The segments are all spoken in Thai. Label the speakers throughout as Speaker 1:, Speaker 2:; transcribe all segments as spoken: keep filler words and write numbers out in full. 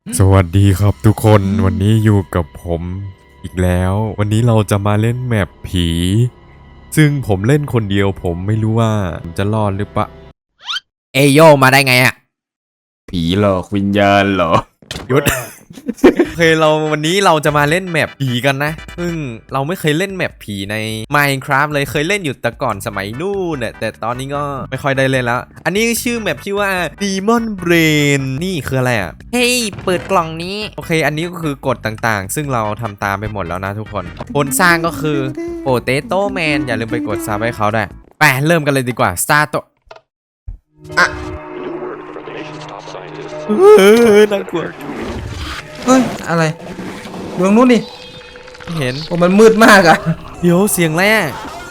Speaker 1: สวัสดีครับทุกคนวันนี้อยู่กับผมอีกแล้ววันนี้เราจะมาเล่นแมปผี ซึ่งผมเล่นคนเดียวผมไม่รู้ว่าผมจะรอดหรือปะเอโยมาได้ไงอะ
Speaker 2: ผีหลอกวิญญาณเหรอ
Speaker 1: หยุด โอเคเราวันนี้เราจะมาเล่นแมปผีกันนะซึ่งเราไม่เคยเล่นแมปผีใน Minecraft เลยเคยเล่นอยู่แต่ก่อนสมัยนู่นเนี่ยแต่ตอนนี้ก็ไม่ค่อยได้เล่นแล้ว อันนี้ชื่อแมปชื่อว่า Demon Brain นี่คืออะไรอ่ะเฮ้ยเปิดกล่องนี้โอเคอันนี้ก็คือกฎต่างๆ ซึ่งเราทำตามไปหมดแล้วนะทุกคนคนสร้างก็คือ Potato Man อย่าลืมไปกดซับให้เขาด้วยไปเริ่มกันเลยดีกว่า Start ตัวอ่ะเออน่ากลัว
Speaker 2: เฮ้ย อะไรดูตรงนู้นดิ
Speaker 1: เห็น
Speaker 2: โอ้มันมืดมากอะ
Speaker 1: เดี๋ยวเสียงแรก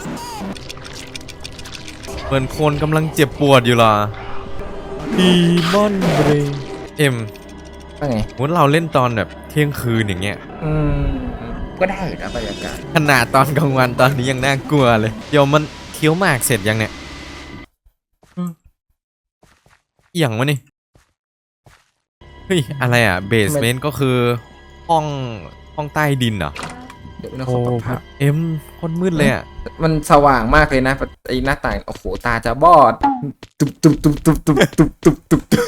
Speaker 1: เหมือนคนกำลังเจ็บปวดอยู่ล่ะดีมอนเบรเอ็ม
Speaker 2: ว่าไง
Speaker 1: วันเราเล่นตอนแบบเที่ยงคืนอย่างเงี้ย
Speaker 2: อืม ก็ได้นะบรรยากาศ
Speaker 1: ขนาดตอนกลางวันตอนนี้ยังน่ากลัวเลยเดี๋ยวมันเคี้ยวหมากเสร็จยังเนี่ยอืมอหย่างวะนี่เฮ้ยอะไรอ่ะเบสเมนต์ก็คือห้องห้องใต้ดินเหรอ
Speaker 2: เดี๋ยวนะข
Speaker 1: โอ้
Speaker 2: อปรับภาพ
Speaker 1: เอ็มโคตรมืดเลยอ่ะ
Speaker 2: มันสว่างมากเลยนะไอ้หน้าต่าง โอ้โห ตาจะบอด ตุบตุบตุบตุบตุบตุบตุบตุบตุบ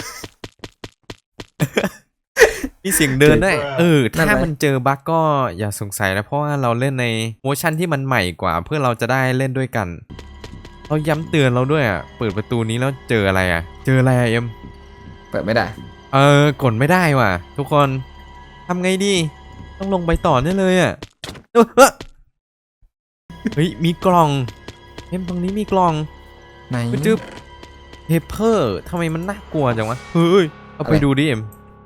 Speaker 1: มีเสียงเดินด้วยเออ
Speaker 2: นั่น
Speaker 1: ถ้า
Speaker 2: ไหม
Speaker 1: มันเจอบั๊กก็อย่าสงสัยนะเพราะว่าเราเล่นในเวอร์ชันที่มันใหม่กว่าเพื่อเราจะได้เล่นด้วยกันเราย้ำเตือนเราด้วยอ่ะเปิดประตูนี้แล้วเจออะไรอ่ะเจออะไรอ่ะเอ็ม
Speaker 2: เปิดไม่ได้
Speaker 1: เออกดไม่ได้ว่ะทุกคนทำไงดีต้องลงไปต่อแน่เลยอ่ะเออเฮ้ยเฮ้ยมีกล่องเอ็มตรงนี้มีกล่อง
Speaker 2: ไหน
Speaker 1: จึ๊บเฮเปอร์ทำไมมันน่ากลัวจังวะเฮ้ยเอาไป
Speaker 2: อะไร
Speaker 1: ดูดิเอ็ม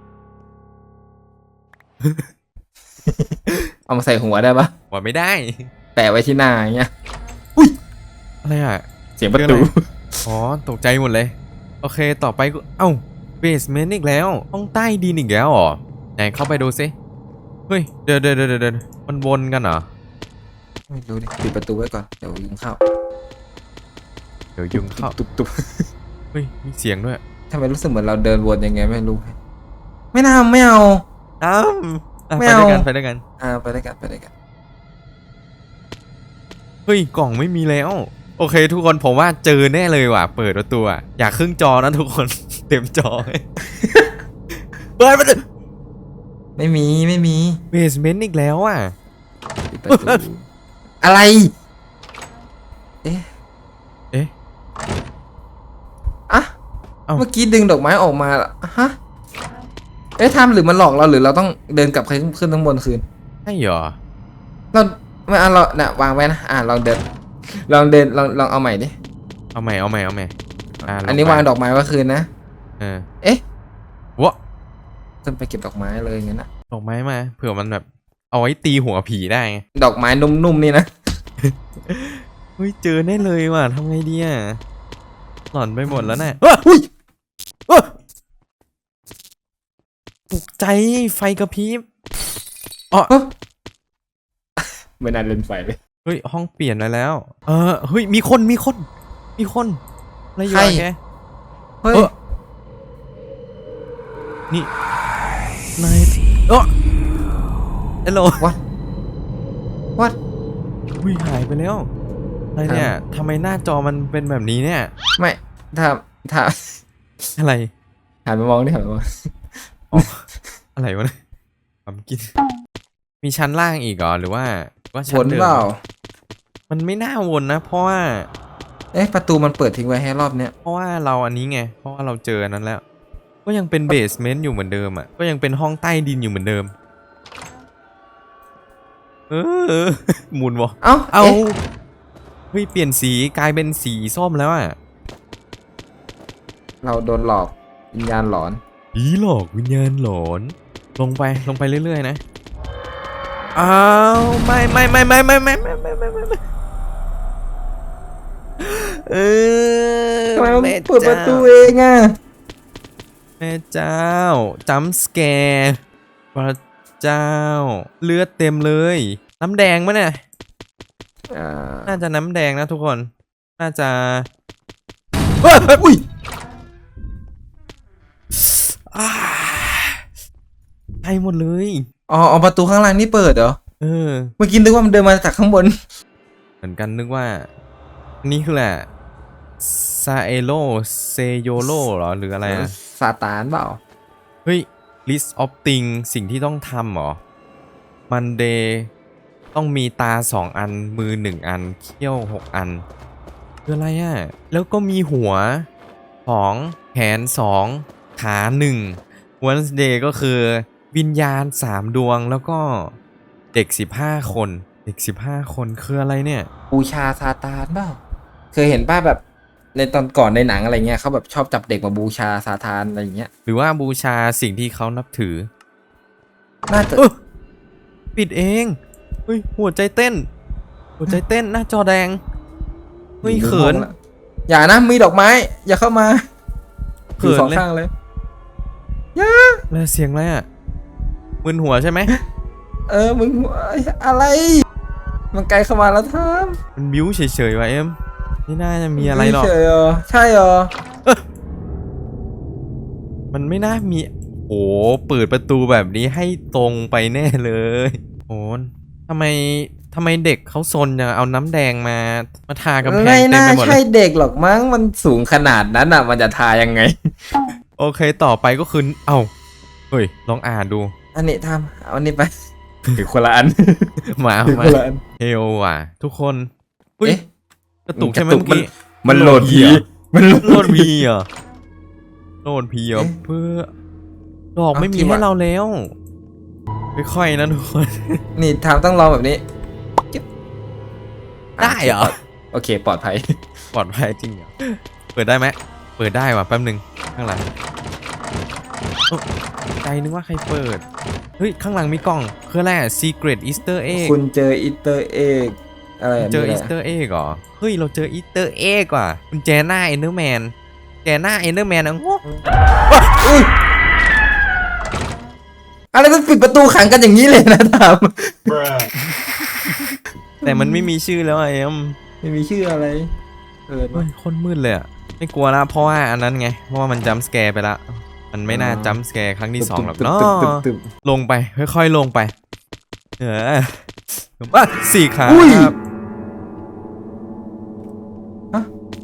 Speaker 2: เอามาใส่หัวได้ปะ
Speaker 1: ว่าไม่ได้
Speaker 2: แปะไว้ที่หน้าอย่างเงี้ย
Speaker 1: อะไรอ่ะ
Speaker 2: เสียงประตู
Speaker 1: อ๋อตกใจหมดเลยโอเคต่อไปก็เอ้าเบสเมนต์อีกแล้วห้องใต้ดินอีกแล้วเหรอไหนเข้าไปดูซิเฮ้ยเดี๋ยวเดี๋ยวเดี๋ยวเดี๋ยวมันวนกันเหรอ
Speaker 2: ไม่รู้ดิปิดประตูไว้ก่อน เดี๋ยวยุงเข้า
Speaker 1: เดี๋ยวยุงเข้า
Speaker 2: ตุบตุบ
Speaker 1: เฮ้ยมีเสียงด้วย
Speaker 2: ทำไมรู้สึกเหมือนเราเดินวนยังไงไม่รู้ ไม่น่าไม่เอา
Speaker 1: อ้าวอ่ะ
Speaker 2: ไม่
Speaker 1: ไป
Speaker 2: เอา
Speaker 1: ด้วยกันไปด้วยกัน
Speaker 2: อ่าไปด้วยกันไปด้วยกัน
Speaker 1: เฮ้ยกล่องไม่มีแล้วโอเคทุกคนผมว่าเจอแน่เลยว่ะเปิดประตูอ่ะอยากครึ่งจอนะทุกคน เต็มจอ เปิดประตู
Speaker 2: ไม่มีไม่มี
Speaker 1: เบสเมนต์อีกแล้วอ่ะ
Speaker 2: ปิดประตู อะไร เอ๊ะ
Speaker 1: เอ๊ะ
Speaker 2: อ่ะ
Speaker 1: เอ้า
Speaker 2: เมื่อกี้ดึงดอกไม้ออกมาเหรอฮะ เอ๊ะทำหรือมันหลอกเราหรือเราต้องเดินกลับขึ้นขึ้นทั้งบนคืน
Speaker 1: ใช่เหรอ
Speaker 2: เราไม่เอาเราเนี่ยวางไว้นะอ่าลองเดินลองเดินลองลองเอาใหม่ดิ
Speaker 1: เอาใหม่เอาใหม่เอาใหม่อ่าล
Speaker 2: อันนี้
Speaker 1: ไป
Speaker 2: วางดอกไม้ไว้คืนนะ
Speaker 1: เออ
Speaker 2: เอ๊ะ
Speaker 1: วะ
Speaker 2: ต้องไปเก็บดอกไม้เลยอย่างนั้นนะ
Speaker 1: ดอกไม้มาเผื่อมันแบบเอาไว้ตีหัวผีได้ไง
Speaker 2: ดอกไม้นุ่มๆนี่นะ
Speaker 1: เฮ้ยเจอแน่เลยว่ะทำไงดีอ่ะหลอนไปหมดแล้วน่ะ
Speaker 2: อุ้ย
Speaker 1: ตกใจไฟกระพริบอ๋อ
Speaker 2: ไม่นานเล่นไฟเลย
Speaker 1: เฮ้ยห้องเปลี่ยนไปแล้ว เออเฮ้ยมีคนมีคน มีคนอะไรอยู่
Speaker 2: ใคร
Speaker 1: อะแก
Speaker 2: เฮ้ย
Speaker 1: เออ นี่นายเออฮัลโหล
Speaker 2: วัดวัด
Speaker 1: อุ้ยหายไปแล้วอะไรเนี่ยทำไมหน้าจอมันเป็นแบบนี้เนี่ย
Speaker 2: ไม่ถ้าถ้า
Speaker 1: อะไร
Speaker 2: หันมามองดิหันมามอง
Speaker 1: อ๋ออะไรวะเนี่ยผมกิน มีชั้นล่างอีกเหรอหรือว่าว่า
Speaker 2: ฝ
Speaker 1: ชั้น
Speaker 2: น
Speaker 1: เดิม
Speaker 2: เปล่า
Speaker 1: มันไม่น่าวนนะ เพราะว่า
Speaker 2: เอ๊ะประตูมันเปิดทิ้งไว้ให้รอบเนี้ย
Speaker 1: เพราะว่าเราอันนี้ไง เพราะว่าเราเจออันนั้นแล้ว ก็ยังเป็นเบสเมนต์อยู่เหมือนเดิมอ่ะ ก็ยังเป็นห้องใต้ดินอยู่เหมือนเดิม เออ หมุนวะ
Speaker 2: เอ้า
Speaker 1: เอา
Speaker 2: อ๊ะ
Speaker 1: เฮ้ยเปลี่ยนสีกลายเป็นสีส้มแล้วอ่ะ
Speaker 2: เราโดนหลอกวิญญาณหลอน
Speaker 1: ผีหลอกวิญญาณหลอน ลงไปลงไปเรื่อยๆนะอ้าวไม่ไม่ไม่ไม่ไม่ไม่ไม่ไม่ไม่ไม่เออ
Speaker 2: ทำไมมัน
Speaker 1: แม่
Speaker 2: เปิดประตู
Speaker 1: เจ้า
Speaker 2: เองอ่ะ
Speaker 1: แม่เจ้าจัมป์สแกร์พระเจ้า เลือดเต็มเลย น้ำแดงมั้ยเนี่ย
Speaker 2: อ่า
Speaker 1: น่าจะน้ำแดงนะทุกคน น่าจะ
Speaker 2: เฮ้ยอุ้ย
Speaker 1: อ่าใช่หมดเลย
Speaker 2: อ๋ออ๋อประตูข้างล่างนี่เปิดเหรอ
Speaker 1: เออ
Speaker 2: เมื่อกี้นึกว่ามันเดินมาจากข้างบน
Speaker 1: เหมือนกันนึกว่าอันนี้คือแหละซาเอโลเซโยโลเหรอหรืออะไรอะ
Speaker 2: ซาตานเปล่า
Speaker 1: เฮ้ย list of things สิ่งที่ต้องทำเหรอ Monday ต้องมีตาสองอันมือหนึ่งอันเขี้ยวหกอันคืออะไรอะแล้วก็มีหัวสองแขนสองขาหนึ่ง Wednesday ก็คือวิญญาณสามดวงแล้วก็เด็กสิบห้าคนเด็กสิบห้าคนคืออะไรเนี่ย
Speaker 2: บูชาซาตานเปล่าเคยเห็นป้าแบบในตอนก่อนในหนังอะไรเงี้ยเขาแบบชอบจับเด็กมาบูชาซาตานอะไรอย่างเงี้ย
Speaker 1: หรือว่าบูชาสิ่งที่เขานับถือ
Speaker 2: น่าจะ
Speaker 1: เออปิดเองเฮ้ยหัวใจเต้น หัวใจเต้นหน้าจอแดงเฮ้ยเขิน
Speaker 2: อย่านะมีดอกไม้ อย่าเข้ามา
Speaker 1: เขิน
Speaker 2: สอง
Speaker 1: เลย
Speaker 2: ข้างเลย
Speaker 1: แล้วเสียงอะไรอ่ะมึนหัวใช่ไหม
Speaker 2: เออมึงอะไร มันไกลเข้ามาแล้วทาม
Speaker 1: มันบิ้วเฉยๆว่ะเอ็มไม่น่าจะมีอะไรหรอก
Speaker 2: เฉยเหรอใช่เหรอ
Speaker 1: มันไม่น่ามีโอ้เปิดประตูแบบนี้ให้ตรงไปแน่เลยโอ้ทำไมทำไมเด็กเขาซนจังเอาน้ำแดงมามาทากำแพง
Speaker 2: ไม่
Speaker 1: เต็ม
Speaker 2: น่า
Speaker 1: ไปหมดเล
Speaker 2: ใช่
Speaker 1: ย
Speaker 2: เด็กหรอกมั้งมันสูงขนาดนั้นอ่ะ มันจะทายังไง
Speaker 1: โอเคต่อไปก็คือเอ้าเฮ้ยลองอ่านดู
Speaker 2: อันนี้ทำเอาอันนี้ไปถือคนละอัน
Speaker 1: มา
Speaker 2: ถือ
Speaker 1: มา
Speaker 2: คนละอัน
Speaker 1: เฮลว่ะ ทุกคนเฮ้ย
Speaker 2: เอ๊ะ
Speaker 1: กระตุกใช่ไหม
Speaker 2: กระตุก
Speaker 1: เมื่อกี้
Speaker 2: มันโหลดผีมันโหล
Speaker 1: โหล
Speaker 2: ด
Speaker 1: ดพีเหรอโหลดพีเหรอ
Speaker 2: เอ๊ะ
Speaker 1: เพื่อดอก
Speaker 2: เอา
Speaker 1: ไม่มี
Speaker 2: จริง
Speaker 1: ให้
Speaker 2: ว่ะ
Speaker 1: เราแล้วค่อยๆนะทุกคน
Speaker 2: นี่ทำต้องลองแบบนี้จิ๊บ
Speaker 1: ได้เหรอ
Speaker 2: โอเคปลอดภัย
Speaker 1: ปลอดภัยจริงเหรอเปิดได้ไหมเปิดได้ว่ะแป๊บหนึ่งข้างหลังเอ้าใจนึกว่าใครเปิดเฮ้ยข้างหลังมีกล่องคืออะไรอะ Secret Easter Egg
Speaker 2: คุณเจออีสเตอร์เอ็กอะไรแบบ
Speaker 1: เจอ
Speaker 2: นี้
Speaker 1: อี
Speaker 2: แห
Speaker 1: ส
Speaker 2: ละ
Speaker 1: เตอร์เอ็กเหรอ เฮ้ย เราเจออีสเตอร์เอ็กว่ะคุณแจหน้าเอนเดอร์แมนแจหน้าเอนเดอร์แมนอ่ะโง่
Speaker 2: อุ๊ยอะไรมันปิดประตูขังกันอย่างนี้เลยนะทาม
Speaker 1: แต่มันไม่มีชื่อแล้วอะเอ็ม
Speaker 2: ไม่มีชื่ออะไรเออ
Speaker 1: เฮ้ยโคนมืดเลยอ่ะ ไม่กลัวละเพราะว่าอันนั้นไง เพราะว่ามันจัมป์สแกร์ไปละ มันไม่น่าจัมป์สแกร์ครั้งที่สองหรอกเนาะ
Speaker 2: ตึบตึบตึบ
Speaker 1: ลงไป ค่อยๆลงไป เออว่าสี่ขา
Speaker 2: อุ้ย
Speaker 1: ครับ
Speaker 2: ฮะ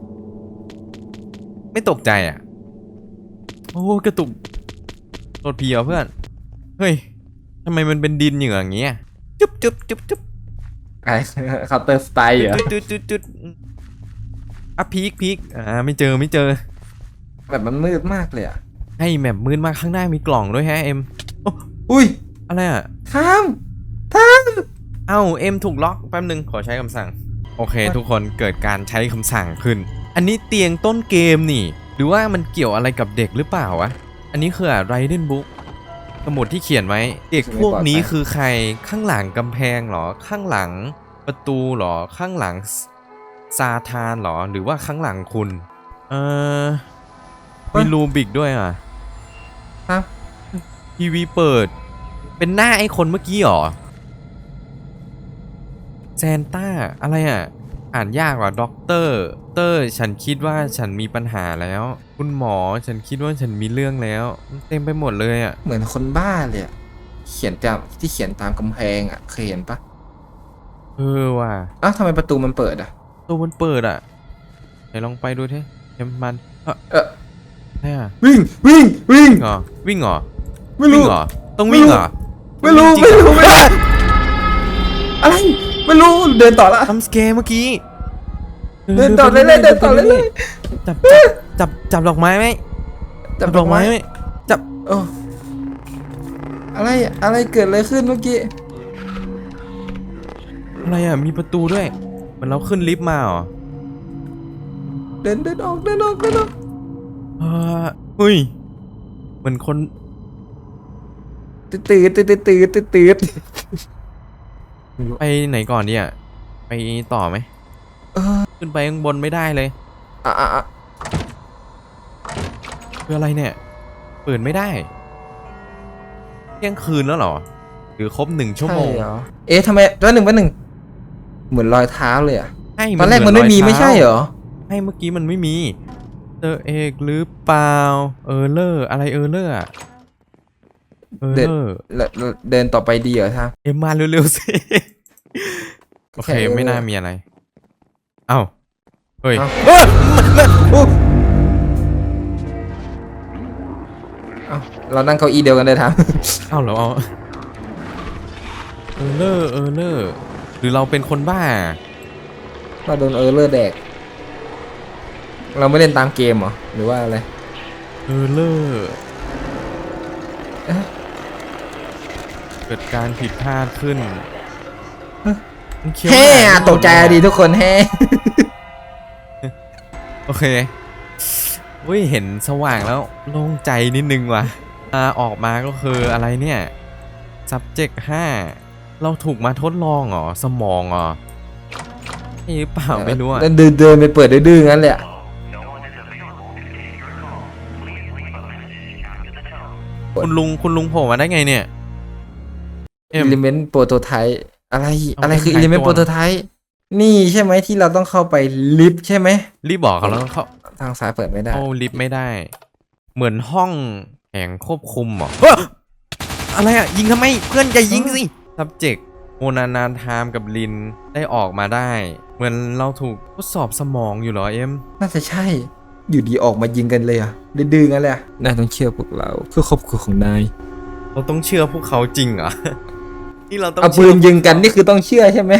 Speaker 1: ไม่ตกใจอ่ะ โอ้กระตุกโดดผีเหรอเพื่อน เฮ้ยทำไมมันเป็นดินอย่างเงี้ยจุ๊บจุ๊บจุ๊บจุ๊บ
Speaker 2: ไอ้เคาน์เตอร์สไตล์เหรอ
Speaker 1: จุดจุดจุดอ่ะพีคพีคอ่าไม่เจอไม่เจอ
Speaker 2: แบบมันมืดมากเลยอ่ะ
Speaker 1: ให้แมปมืดมากข้างหน้ามีกล่องด้วยฮะเอ็มโอ้
Speaker 2: อุ้ย
Speaker 1: อะไรอ่ะ
Speaker 2: ทามทาม
Speaker 1: เอ้าเอ็มถูกล็อกแป๊บนึงขอใช้คำสั่งโอเค ทุกคนเกิดการใช้คำสั่งขึ้น อันนี้เตียงต้นเกมนี่หรือว่ามันเกี่ยวอะไรกับเด็กหรือเปล่าวะอันนี้คืออะไรเดนบุ๊กสมุดที่เขียนไว้เด็กพวกนี้คือใครข้างหลังกำแพงเหรอข้างหลังประตูเหรอข้างหลังซาทานเหรอหรือว่าข้างหลังคุณเออมีรูบิกด้วยอ่ะ
Speaker 2: ครับ
Speaker 1: ทีวีเปิดเป็นหน้าไอ้คนเมื่อกี้เหรอแซนต้าอะไรอ่ะอ่านยากว่ะด็อกเตอร์เตอร์ฉันคิดว่าฉันมีปัญหาแล้ว คุณหมอฉันคิดว่าฉันมีเรื่องแล้วมันเต็มไปหมดเลยอ่ะ
Speaker 2: เหมือนคนบ้าเลยอะเขียนตามที่เขียนตามกำแพงอ่ะเคยเห็นปะ
Speaker 1: เออว่ะ
Speaker 2: อ้าวทำไมประตูมันเปิดอ่ะ
Speaker 1: ตัวมันเปิดอ่ะไหนลองไปดูเถอะเอ็มมันเออ
Speaker 2: เออ
Speaker 1: ใช่อ่ะ
Speaker 2: วิ่งวิ่งวิ่ง
Speaker 1: เหรอวิ่งเหรอ
Speaker 2: ไม่
Speaker 1: วิ่
Speaker 2: รู้
Speaker 1: งเหรอต้องวิ่งเหรอ
Speaker 2: ไม่รู้
Speaker 1: ต้องวิ่งจ
Speaker 2: ไม่
Speaker 1: งเหอ
Speaker 2: รู้ไม่รู้อะไรไม่รู้เดินต่อละ
Speaker 1: ทำสเกร์เมื่อกี้
Speaker 2: เดินต่อเรื่อยๆเดินต่อเรื่อย
Speaker 1: ๆจับจับจับจับดอกไม้ไหม
Speaker 2: ๆ
Speaker 1: จับดอกไม้ไหมจับ
Speaker 2: โอ้อะไรอะไรเกิดอะไรขึ้นเมื่อกี้
Speaker 1: อะไรอ่ะมีประตูด้วยเหมือนเราขึ้นลิฟต์มาเหรอ
Speaker 2: เดินเดินออกเดินออกเดินออก
Speaker 1: เออเฮ้ยเหมือนคน
Speaker 2: ตื่นตื่นตื่นตื่นตื่นตื่น
Speaker 1: ไปไหนก่อนเนี่ยไปต่อไหม
Speaker 2: เออ
Speaker 1: ขึ้นไปข้างบนไม่ได้เลย
Speaker 2: อ่ะอ่ะอ่ะ
Speaker 1: คืออะไรเนี่ยเปิดไม่ได้เที่ยงคืนแล้วเหรอหรือครบหนึ่งชั่วโมง
Speaker 2: ใเหรอเอ๊ะทำไมวันหนึ่งวันหนึ่งเหมือนรอยเท้าเลยอ่ะ
Speaker 1: ใช่
Speaker 2: ตอนแรกมันไม่มีไม่ใช่เหรอ
Speaker 1: ให้เมื่อกี้มันไม่มีเตอร์เอกหรือเปล่าเออเลอร์อะไรเออเลอร์อะเออ
Speaker 2: เดินแล้วแล้วเดินต่อไปดีเหรอท่า
Speaker 1: เอ็มมาเร็วๆสิ โอเค
Speaker 2: แค่เออ
Speaker 1: ไม่น่ามีอะไร เอ้า เฮ้ย
Speaker 2: เอ้าเอ้ยมันโอ้เอ้าเรานั่งเก้าอี้เดียวกันได้ท่า
Speaker 1: เอ้าเหรอเอาเออเลอร์เออเลอร์หรือเราเป็นคนบ้า
Speaker 2: เราโดนเออร์เลอร์แดก เราไม่เล่นตามเกมเหรอ หรือว่าอะไร
Speaker 1: เออเลอร์เกิดการผิดพลาดขึ้นมันเคี้ยว
Speaker 2: แฮ่
Speaker 1: หาง
Speaker 2: ตกใจดีทุกคนแฮ่
Speaker 1: โอเคเว้ยเห็นสว่างแล้วโล่งใจนิดนึงว่ะอ่าออกมาก็คืออะไรเนี่ย subject ห้าเราถูกมาทดลองเหรอ สมองเหรอใช่หรือเปล่าไม่รู้อ่ะ
Speaker 2: เดินเดินไปเปิดดื้อๆงั้นเลยอะ
Speaker 1: คุณลุงคุณลุงโผล่มาได้ไงเนี่ยเอ็ม
Speaker 2: อิเลเมนต์โปรโตไทป์อะไร
Speaker 1: เอา
Speaker 2: อะไรคือ
Speaker 1: ไป
Speaker 2: อิเลเมนต์
Speaker 1: ขายตัว
Speaker 2: โปรโตไทป์นี่ใช่ไหมที่เราต้องเข้าไปลิฟต์ใช่ไหม
Speaker 1: รีบบอกเขาแล้วเขา
Speaker 2: ทางซ้ายเปิดไม่ได้
Speaker 1: เข้าลิฟต์ไม่ได้ เหมือนห้องแห่งควบคุมเหรอเฮ้ยอะไรอ่ะ ยิงทำไมเพื่อนอย่ายิงสิ subject โมนานาทามกับลินได้ออกมาได้ เหมือนเราถูกทดสอบสมองอยู่เหรอเอ็ม
Speaker 2: น่าจะใช่ อยู่ดีออกมายิงกันเลยอ่ะดื้อๆงั้นเลยอะนายต้องเชื่อพวกเราเพื่อครอบครัวของนาย
Speaker 1: เราต้องเชื่อพวกเขาจริงเหรอ นี่เราต้อง
Speaker 2: เอาปืนยิงกันนี่คือต้องเชื่อใช่ไหม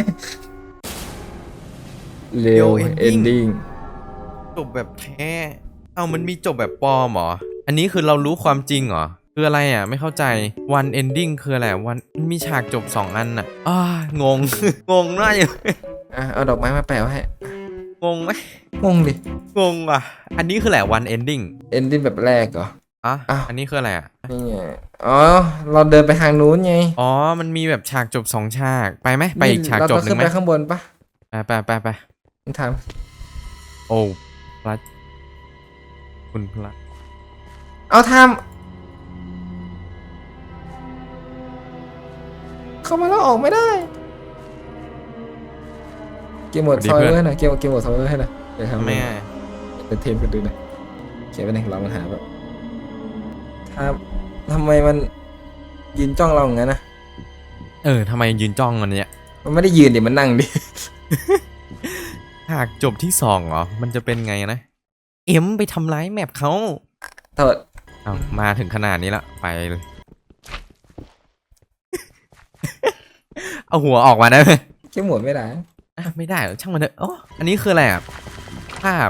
Speaker 2: เร็ว
Speaker 1: เอ็
Speaker 2: เอน
Speaker 1: น
Speaker 2: ดิ้ง
Speaker 1: จบแบบแท้ เอามันมีจบแบบปลอมเหรอ อันนี้คือเรารู้ความจริงเหรอ คืออะไรอ่ะ ไม่เข้าใจ one ending คืออะไร วันมีฉากจบสองอันอ่ะอ้างง งงน่าอยู่
Speaker 2: อ่ะเอาดอกไม้มาแปะไว้ให้
Speaker 1: งงไหม
Speaker 2: งงดิ
Speaker 1: งงอ่ะ อันนี้คือแหละ one ending
Speaker 2: เอนดิ้งแบบแรกเหรอ
Speaker 1: อ่ะ
Speaker 2: อ้าว
Speaker 1: อันนี้คืออะไรอ่ะ
Speaker 2: นี่ไงอ๋อเราเดินไปทางนู้นไง
Speaker 1: อ๋อ มันมีแบบฉากจบสองฉาก ไปไหมไปอีกฉาก
Speaker 2: เรา
Speaker 1: จ
Speaker 2: ต้
Speaker 1: บ
Speaker 2: อง
Speaker 1: หนึ่
Speaker 2: ขึ้
Speaker 1: ง
Speaker 2: น
Speaker 1: ไหม
Speaker 2: ไปข้างบนปะ
Speaker 1: ไปไปไปไป
Speaker 2: ถาม
Speaker 1: โอ้พระคุณพระ
Speaker 2: เอาทำเข้ามาแล้วออกไม่ได้ เกมหมดซอยเวอร์หน่อยเกมเกมหมดซอยเวอร์ให้หน่อยเดี๋ยวทำ
Speaker 1: แม่
Speaker 2: เป็นเทมกันดูหน่อยเขียนไว้ในของเรามันหาแบบถ้าทำไมมันยืนจ้องเราอย่างนั้นนะ
Speaker 1: เออทำไมยืนจ้องอันเนี้ย
Speaker 2: มันไม่ได้ยืนดิมันนั่งดิ
Speaker 1: ฉากจบที่สองเหรอ มันจะเป็นไงนะ เอ็มไปทำร้ายแมปเขา
Speaker 2: โทษ
Speaker 1: เอามาถึงขนาดนี้ละไปเลย เอาหัวออกมาได้ไหม
Speaker 2: เกมหมดไม่ได้
Speaker 1: อ่ะไม่ได้หรอกช่างมันเถอะอ๋ออันนี้คืออะไรอ่ะภาพ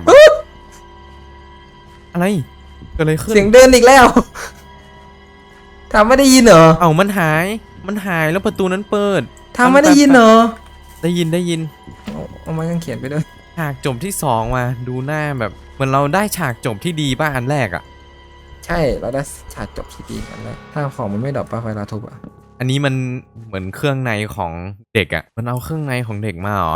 Speaker 1: อะไรเกิดอะไรขึ้น
Speaker 2: เสียงเดินอีกแล้วทำไม่ได้ยินเหรอ
Speaker 1: เอามันหาย มันหายแล้วประตูนั้นเปิด
Speaker 2: ทำไม่ได้ยินเหรอ
Speaker 1: ได้ยินได้ยิน
Speaker 2: เอาเอาไม้กางเขียนไปด้วย
Speaker 1: ฉากจบที่สองมาดูหน้าแบบเหมือนเราได้ฉากจบที่ดีป่ะอันแรกอ่ะ
Speaker 2: ใช่เราได้ฉากจบที่ดีกันเลยถ้าของมันไม่ดรอปป่ะเวลาทุบอ่ะ
Speaker 1: อันนี้มันเหมือนเครื่องในของเด็กอ่ะ มันเอาเครื่องในของเด็กมาเหรอ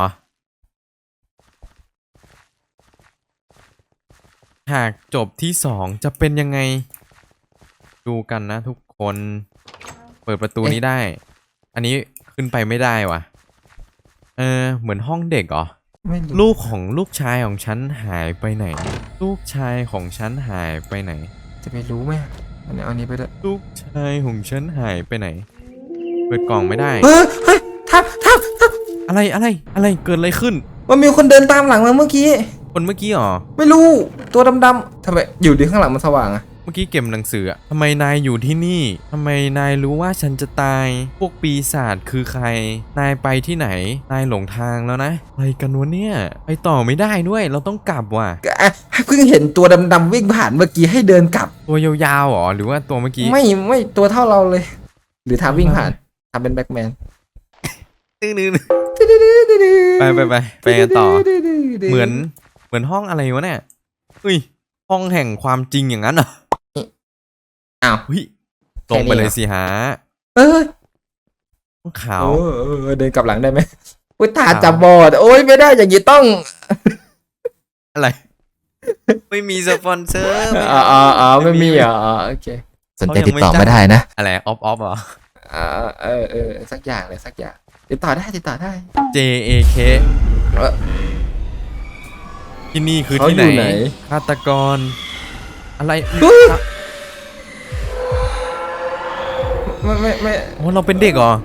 Speaker 1: ฉากจบที่สองจะเป็นยังไง ดูกันนะทุกคน เปิดประตูนี้ได้ อันนี้ขึ้นไปไม่ได้ว่ะ เออเหมือนห้องเด็กเหรอ
Speaker 2: ไม่รู้
Speaker 1: ลูกของลูกชายของฉันหายไปไหน ลูกชายของฉันหายไปไหน
Speaker 2: จะไปรู้ไหมอันนี้เอาอันนี้ไปด้วย
Speaker 1: ลูกชายของฉันหายไปไหน เปิดกล่องไม่ได้
Speaker 2: เฮ้ยเฮ้ยทับทับทับ
Speaker 1: อะไรอะไรอะไรเกิดอะไรขึ้น
Speaker 2: มันมีคนเดินตามหลังมาเมื่อกี้
Speaker 1: คนเมื่อกี้เหรอ
Speaker 2: ไม่รู้ตัวดำๆทำไมอยู่ดีข้างหลังมันสว่างอะ
Speaker 1: เมื่อกี้เก็บหนังสืออะทำไมนายอยู่ที่นี่ทำไมนายรู้ว่าฉันจะตาย พวกปีศาจคือใคร นายไปที่ไหน นายหลงทางแล้วนะอะไรกันวะเนี่ย ไปต่อไม่ได้ด้วย เราต้องกลับว่ะ
Speaker 2: ก็อ่ะเพิ่งเห็นตัวดำๆวิ่งผ่านเมื่อกี้ให้เดินกลับ
Speaker 1: ตัวยาวๆเหรอ หรือว่าตัวเมื่อกี้
Speaker 2: ไม่ไม่ตัวเท่าเราเลย หรือทำวิ่งผ่านทำเป็นแบ็กแมน
Speaker 1: ตื้อนึงไปไปไปไปกันต่อ เหมือนเหมือนห้องอะไรวะเนี่ยเฮ้ย ห้องแห่งความจริงอย่างนั้นเหรอ
Speaker 2: อ้าว
Speaker 1: เฮ้ยตรงไปเลยสิฮะ
Speaker 2: เออ
Speaker 1: ห้องขาว
Speaker 2: เออเออเดินกลับหลังได้ไหมอุ้ยตาจับบอดโอ้ยไม่ได้อย่างนี้ต้อง
Speaker 1: อะไร ไม่มีสปอนเซอร์
Speaker 2: อ๋ออ๋ออ๋อไม่มีเหรออ๋อโอเคสนใจติดต่อมาได้นะ
Speaker 1: อะไรออฟออฟเหรอ
Speaker 2: อ่าเออเออสักอย่างเลยสักอย่างติดต่อได้ติดต่อได้
Speaker 1: J A K
Speaker 2: เออ
Speaker 1: ที่นี่คือ
Speaker 2: เขา
Speaker 1: ที่
Speaker 2: อยู่
Speaker 1: ไหน
Speaker 2: ไหน
Speaker 1: ฆาตกร อะไร
Speaker 2: เฮ้ยไม่ไม่ไม่
Speaker 1: โอ้เราเป็นเด็กเหรอ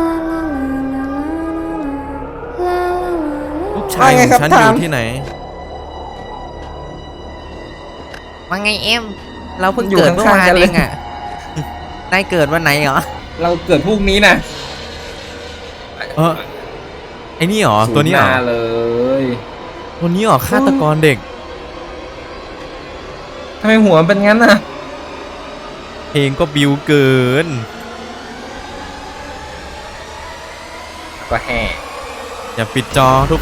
Speaker 1: ลูกชายของฉันอยู่ที่ไหนว่าไงเอ็มเราเพิ่งเกิดเมื่อวานเองอ่ะนายเกิดวันไหนเหรอ
Speaker 2: เราเกิดพรุ่งนี้นะ
Speaker 1: เออไอ้นี่เหรอตัวนี้เหรอ
Speaker 2: ศูย์หาเลย
Speaker 1: ตัวนี้เหรอฆาตกรเด็ก
Speaker 2: ทำไมหัวมันเป็นงั้นน่ะ
Speaker 1: เพลงก็บิวเกิน
Speaker 2: ก็แห่
Speaker 1: อย่าปิดจอทุกคน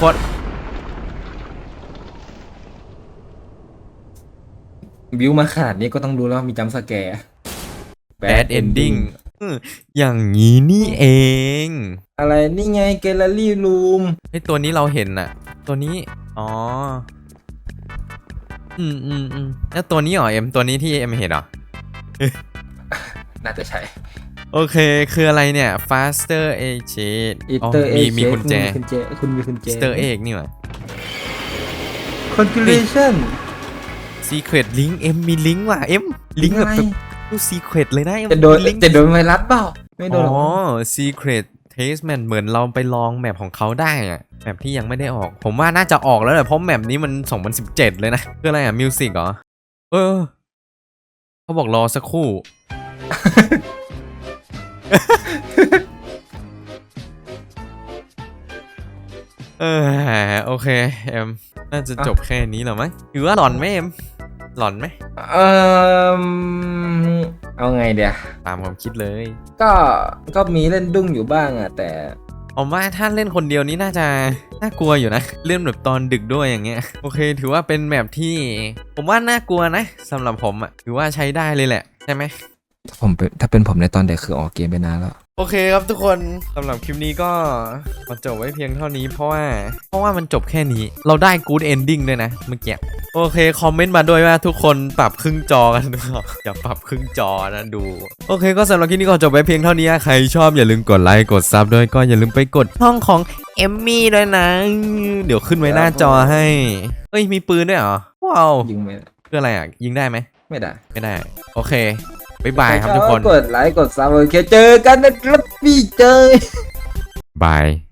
Speaker 2: บิวมาขนาดนี้ก็ต้องดูแล้วมีจัมป์สแกร์
Speaker 1: Bad Ending อืมอย่างนี้นี่เอง
Speaker 2: อะไรนี่ไงแกลเลอรี่รูม
Speaker 1: ไอตัวนี้เราเห็นน่ะ ตัวนี้อ๋ออืมอืมอืมแล้วตัวนี้เหรอเอ็มตัวนี้ที่เอ็มเห็นเหรอ
Speaker 2: น่าจะใช่
Speaker 1: โอเคคืออะไรเนี่ย faster egg
Speaker 2: อีเตอร์
Speaker 1: มีมีกุญแจ
Speaker 2: คุณเจคุณมีคุณเจ
Speaker 1: Easter egg นี่หว่า
Speaker 2: Congratulation
Speaker 1: secret link เอ็มมีลิงก์ว่ะเอ็มลิงก์แบบแบบดู secret เลยนะเอ็ม
Speaker 2: จะโดน
Speaker 1: ลิงก์
Speaker 2: จะโดนไวรัสเปล่าไม่โด
Speaker 1: อ๋
Speaker 2: น
Speaker 1: อ
Speaker 2: หรอก
Speaker 1: secret testament เหมือนเราไปลองแมปของเขาได้อะแมปที่ยังไม่ได้ออก ผมว่าน่าจะออกแล้วแหละเพราะแมปนี้มันสองพันสิบเจ็ดเลยนะคืออะไรอ่ะมิวสิกเหรอเออเขาบอกรอสักครู่ เออโอเคเอ็มน่าจะจบแค่นี้แล้วมั้งหรือว่าหลอนไหมเอ็มหลอนไหม
Speaker 2: เออเอาไงเดี๋ยว
Speaker 1: ตามความคิดเลย
Speaker 2: ก็ก็มีเล่นดุ้งอยู่บ้างอะแต่
Speaker 1: ผมว่าถ้าเล่นคนเดียวนี้น่าจะน่ากลัวอยู่นะเล่นแบบตอนดึกด้วยอย่างเงี้ยโอเค ถือว่าเป็นแมปที่ ผมว่าน่ากลัวนะสำหรับผมอ่ะถือว่าใช้ได้เลยแหละใช่ไหม
Speaker 2: ถ้าผมเป็นถ้าเป็นผมในตอนเด็กคือออกเกมไปนานแล้ว
Speaker 1: โอเคครับทุกคนสำหรับคลิปนี้ก็มาจบไว้เพียงเท่านี้เพราะว่าเพราะว่ามันจบแค่นี้เราได้ good ending ด้วยนะเมื่อกี้โอเคคอมเมนต์มาด้วยว่าทุกคนปรับครึ่งจอกันหรือเปล่าอย่าปรับครึ่งจอนะดูโอเคก็สำหรับคลิปนี้ก็จบไว้เพียงเท่านี้ใครชอบอย่าลืมกดไลค์กดซับด้วยก็อย่าลืมไปกดช่องของเอมมี่ด้วยนะ เดี๋ยวขึ้นไว้หน้าจอให้เอ้ยมีปืนด้วยเหรอว้าว
Speaker 2: ยิงไม่ได้
Speaker 1: คืออะไรอ่ะยิงได้ไหม
Speaker 2: ไม่ได้
Speaker 1: ไม่ได้โอเคบ๊ายบายครับทุกคน
Speaker 2: กดไลค์กดซับโอเคเจอกันนะครับพี่เจอบ
Speaker 1: าย